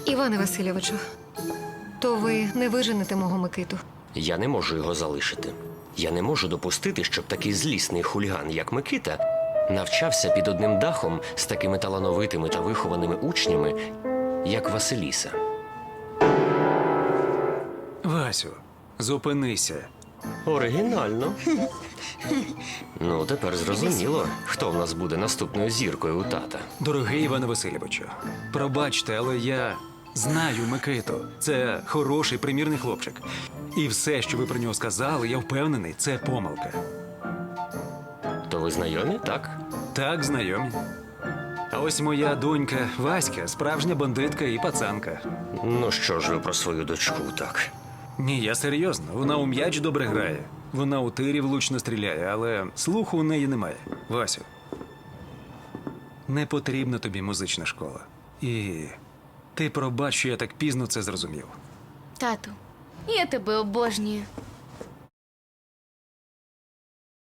Іване Васильовичу, то ви не виженете мого Микиту. Я не можу його залишити. Я не можу допустити, щоб такий злісний хуліган, як Микита, навчався під одним дахом з такими талановитими та вихованими учнями, як Василіса. Васю, зупинися. Оригінально. Ну, тепер зрозуміло, хто в нас буде наступною зіркою у тата. Дорогий Іване Васильовичу, пробачте, але я знаю Микиту. Це хороший, примірний хлопчик. І все, що ви про нього сказали, я впевнений, це помилка. То ви знайомі, так? Так, знайомі. А ось моя донька Васька – справжня бандитка і пацанка. Ну що ж ви про свою дочку так? Ні, я серйозно. Вона у м'яч добре грає. Вона у тирі влучно стріляє, але слуху у неї немає. Васю, не потрібна тобі музична школа. І ти пробач, що я так пізно це зрозумів. Тату, я тебе обожнюю.